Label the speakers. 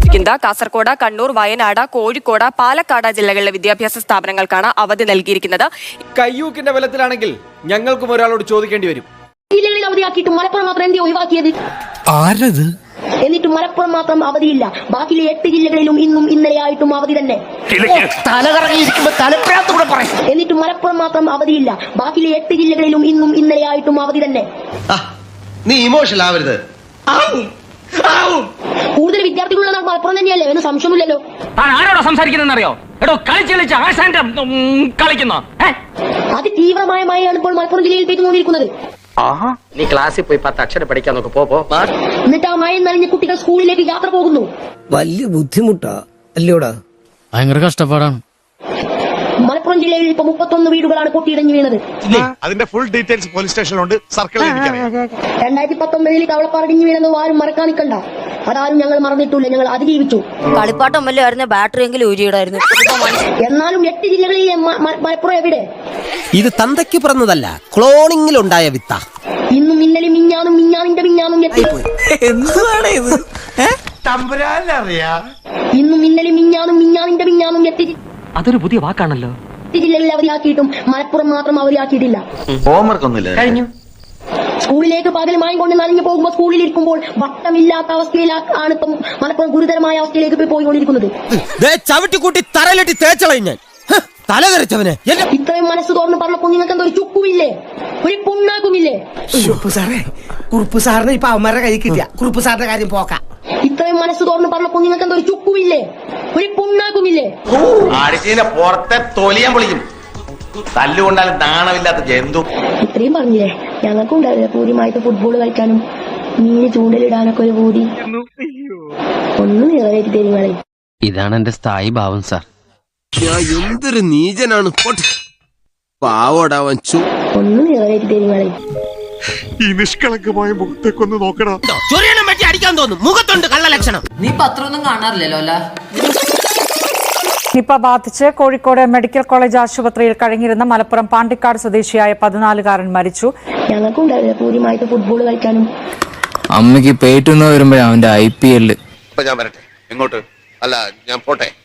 Speaker 1: നൽകിയിരിക്കുന്നത്. കാസർഗോഡ്, കണ്ണൂർ, വയനാട്, കോഴിക്കോട്, പാലക്കാട് ജില്ലകളിലെ വിദ്യാഭ്യാസ സ്ഥാപനങ്ങൾക്കാണ് അവധി നൽകിയിരിക്കുന്നത്.
Speaker 2: കയ്യൂക്കിന്റെ ബലത്തിലാണെങ്കിൽ ഞങ്ങൾക്കും ഒരാളോട് ചോദിക്കേണ്ടി വരും.
Speaker 3: ജില്ലകളിൽ അവധിയാക്കിയിട്ട് മലപ്പുറം മാത്രം എന്തിനാ ഒഴിവാക്കിയത്?
Speaker 4: ആരത്?
Speaker 3: എന്നിട്ട് മലപ്പുറം മാത്രം അവധിയില്ല, ബാക്കിലെ 8 ജില്ലകളിലും ഇന്നും ഇന്നലെയായിട്ടും അവധി തന്നെ. എന്നിട്ട് മലപ്പുറം മാത്രം അവധിയില്ല, ബാക്കിലെ 8 ജില്ലകളിലും ഇന്നും ഇന്നലെയായിട്ടും അവധി തന്നെ.
Speaker 5: നീ ഇമോഷണൽ ആവരുത്.
Speaker 3: കൂടുതൽ വിദ്യാർത്ഥികളുള്ള നാട് മലപ്പുറം തന്നെയല്ലേ? എന്ന് സംശയമില്ലല്ലോ.
Speaker 6: ആരോടാ സംസാരിക്കുന്നറിയോ? എടോ കളിച്ച് ആശാന്റെ കളിക്കുന്ന
Speaker 3: അതിതീവ്രമായ മഴയാണ് ഇപ്പോൾ മലപ്പുറം ജില്ലയിൽ പെയ്തുകൊണ്ടിരിക്കുന്നത്.
Speaker 6: നീ ക്ലാസ്സിൽ പോയി 10 അക്ഷരം പഠിക്കാൻ നോക്ക്. പോ.
Speaker 3: എന്നിട്ട് ആ മഴ നനഞ്ഞ കുട്ടികൾ സ്കൂളിലേക്ക് യാത്ര പോകുന്നു.
Speaker 4: വലിയ ബുദ്ധിമുട്ടാ അല്ലയോടാ?
Speaker 7: ഭയങ്കര കഷ്ടപ്പാടാണ്.
Speaker 3: മലപ്പുറം ജില്ലയിൽ ഇപ്പൊ 31 വീടുകളാണ് പൊട്ടിയിടഞ്ഞു വീണത്.
Speaker 8: അതിന്റെ ഫുൾ ഡീറ്റെയിൽസ് പോലീസ് സ്റ്റേഷനിലുണ്ട്. സർക്കിളിൽ
Speaker 3: 2019 കവളപ്പാറടിഞ്ഞു വീണെന്ന് ആരും മറക്കാൻ നിൽക്കണ്ട. അതാരും ഞങ്ങൾ മറന്നിട്ടില്ല, ഞങ്ങൾ അതിജീവിച്ചു.
Speaker 1: കളിപ്പാട്ടം വല്ലതായിരുന്നു, ബാറ്ററി എങ്കിലും ഊരിയിടായിരുന്നു.
Speaker 3: എന്നാലും 8 ജില്ലകളിലെ മലപ്പുറം എവിടെ?
Speaker 4: ഇത് തന്തയ്ക്ക് പിറന്നതല്ല, ക്ലോണിങ്ങിലുണ്ടായ വിത്ത.
Speaker 3: ഇന്നും ഇന്നലെ മിഞ്ഞാനും മിഞ്ഞാനിന്റെ മിഞ്ഞാനും
Speaker 4: എന്താണ് ഇത്?
Speaker 3: ഇന്നും ഇന്നലെ മിഞ്ഞാനും മിഞ്ഞാനിന്റെ മിഞ്ഞാനും
Speaker 6: അതൊരു പുതിയ വാക്കാണല്ലോ.
Speaker 3: 8 ജില്ലകളിൽ അവധിയാക്കിയിട്ടും മലപ്പുറം മാത്രം അവധിയാക്കിയിട്ടില്ല.
Speaker 5: ഹോംവർക്ക് ഒന്നുമില്ല.
Speaker 6: കഴിഞ്ഞു.
Speaker 3: സ്കൂളിലേക്ക് പകൽ മയം കൊണ്ട് നനഞ്ഞു പോകുമ്പോൾ സ്കൂളിൽ ഇരിക്കുമ്പോൾ വട്ടമില്ലാത്ത അവസ്ഥയിലാണ് ഇപ്പം മലപ്പുറം ഗുരുതരമായ അവസ്ഥയിലേക്ക് പോയിക്കൊണ്ടിരിക്കുന്നത്.
Speaker 4: ചവിട്ടിക്കൂട്ടി തറയിലിട്ട് തേച്ചളയും ഞാൻ. തലതെറിച്ചവനെ
Speaker 3: ഇത്രയും മനസ്സ് തുറന്ന് പറഞ്ഞപ്പോൾ നിങ്ങൾക്ക് എന്തോ ഒരു ചുക്കുമില്ലേ, ഒരു പുണ്ണാക്കുമില്ലേ?
Speaker 4: കുറുപ്പ് സാറിന് ഇപ്പൊ അവന്മാരുടെ കൈ കിട്ടിയ കുറുപ്പ് സാറിന്റെ കാര്യം പോക്കാം.
Speaker 3: ഇത്രയും മനസ്സ് തുറന്ന് പറഞ്ഞപ്പോൾ നിങ്ങൾക്ക് എന്തോ ഒരു ചുക്കുമില്ലേ, ഒരു പുണ്ണാക്കുമില്ലേ?
Speaker 5: അടിച്ചതിന്റെ പുറത്തെ തൊലിയാൻ പൊളിക്കും. തല്ലുകൊണ്ടാലും നാണമില്ലാത്ത ജന്തു.
Speaker 3: ഇത്രയും പറഞ്ഞില്ലേ, ഞങ്ങൾക്കും ഉണ്ടാവില്ല പൂരിമായിട്ട് ഫുട്ബോൾ കളിക്കാനും മീന് ചൂണ്ടലിടാനൊക്കെ ഒരു പൂതി. ഒന്ന് നിറവേറ്റി തരുങ്ങളെ.
Speaker 7: ഇതാണ് എന്റെ സ്ഥായി ഭാവം സാർ.
Speaker 4: എന്തൊരു നീചനാണ് പാവോടാവൻ.
Speaker 3: ഒന്ന് നിറവേറ്റി തരുങ്ങളെ.
Speaker 8: ഈ നിഷ്കളങ്കമായ മുഖത്തേക്കൊന്ന് നോക്കടാ.
Speaker 4: ചൊറിയണം പറ്റി അടിക്കാൻ തോന്നും. മുഖത്തുണ്ട് കള്ള ലക്ഷണം.
Speaker 9: നീ പത്രമൊന്നും കാണാറില്ലല്ലോ അല്ല?
Speaker 10: നിപ ബാധിച്ച് കോഴിക്കോട് മെഡിക്കൽ കോളേജ് ആശുപത്രിയിൽ കഴിഞ്ഞിരുന്ന മലപ്പുറം പാണ്ടിക്കാട് സ്വദേശിയായ 14-കാരൻ മരിച്ചു.
Speaker 3: ഞങ്ങൾക്കും ഉണ്ടാവില്ല പൂരിമായിട്ട് ഫുട്ബോൾ കളിക്കാനും.
Speaker 7: അമ്മയ്ക്ക് പേറ്റുന്ന വരുമ്പോഴേ അവന്റെ IPL.
Speaker 5: ഞാൻ വരട്ടെ. എങ്ങോട്ട്? അല്ല, ഞാൻ പോട്ടെ.